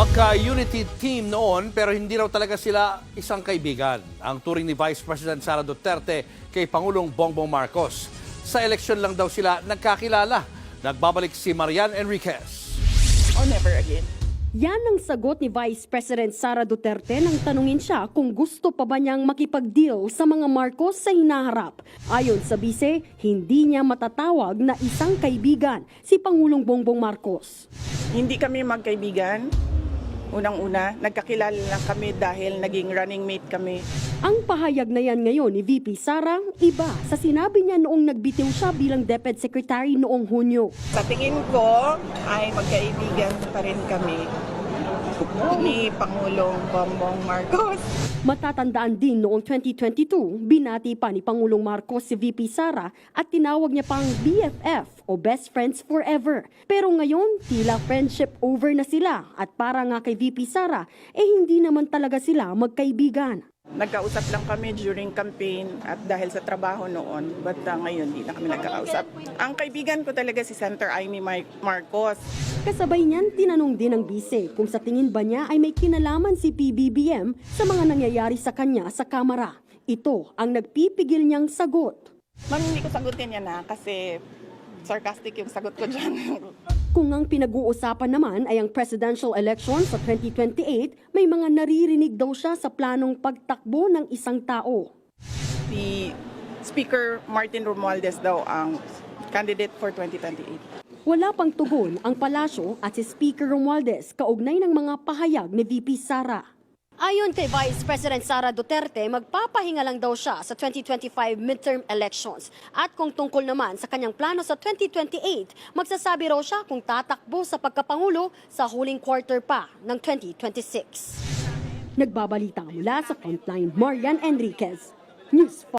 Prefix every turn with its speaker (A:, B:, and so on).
A: Magka-unity team noon pero hindi raw talaga sila isang kaibigan. Ang turing ni Vice President Sara Duterte kay Pangulong Bongbong Marcos. Sa eleksyon lang daw sila nagkakilala. Nagbabalik si Marian Enriquez.
B: Or never again.
C: Yan ang sagot ni Vice President Sara Duterte nang tanungin siya kung gusto pa ba niyang makipag-deal sa mga Marcos sa hinaharap. Ayon sa bise, hindi niya matatawag na isang kaibigan si Pangulong Bongbong Marcos.
B: Hindi kami magkaibigan. Unang-una, nagkakilala lang kami dahil naging running mate kami.
C: Ang pahayag na yan ngayon ni VP Sara, iba sa sinabi niya noong nagbitiw siya bilang DepEd Secretary noong Hunyo.
B: Sa tingin ko ay magkaibigan pa rin kami ni Pangulong Bongbong Marcos.
C: Matatandaan din noong 2022, binati pa ni Pangulong Marcos si VP Sara at tinawag niya pang BFF o Best Friends Forever. Pero ngayon, tila friendship over na sila at para nga kay VP Sara, hindi naman talaga sila magkaibigan.
B: Nagkausap lang kami during campaign at dahil sa trabaho noon, but ngayon hindi na kami nagkakausap. Ang kaibigan ko talaga si Senator Amy Marcos.
C: Kasabay niyan, tinanong din ng bise kung sa tingin ba niya ay may kinalaman si PBBM sa mga nangyayari sa kanya sa Kamara. Ito ang nagpipigil niyang sagot.
B: Ma'am, hindi ko sagutin yan kasi sarcastic yung sagot ko dyan.
C: Kung ang pinag-uusapan naman ay ang presidential election sa 2028, may mga naririnig daw siya sa planong pagtakbo ng isang tao.
B: Si Speaker Martin Romualdez daw ang candidate for 2028.
C: Wala pang tugon ang palasyo at si Speaker Romualdez kaugnay ng mga pahayag ni VP Sara. Ayon kay Vice President Sara Duterte, magpapahinga lang daw siya sa 2025 midterm elections. At kung tungkol naman sa kanyang plano sa 2028, magsasabi raw siya kung tatakbo sa pagkapangulo sa huling quarter pa ng 2026. Nagbabalita mula sa Frontline, Marian Enriquez, News 5.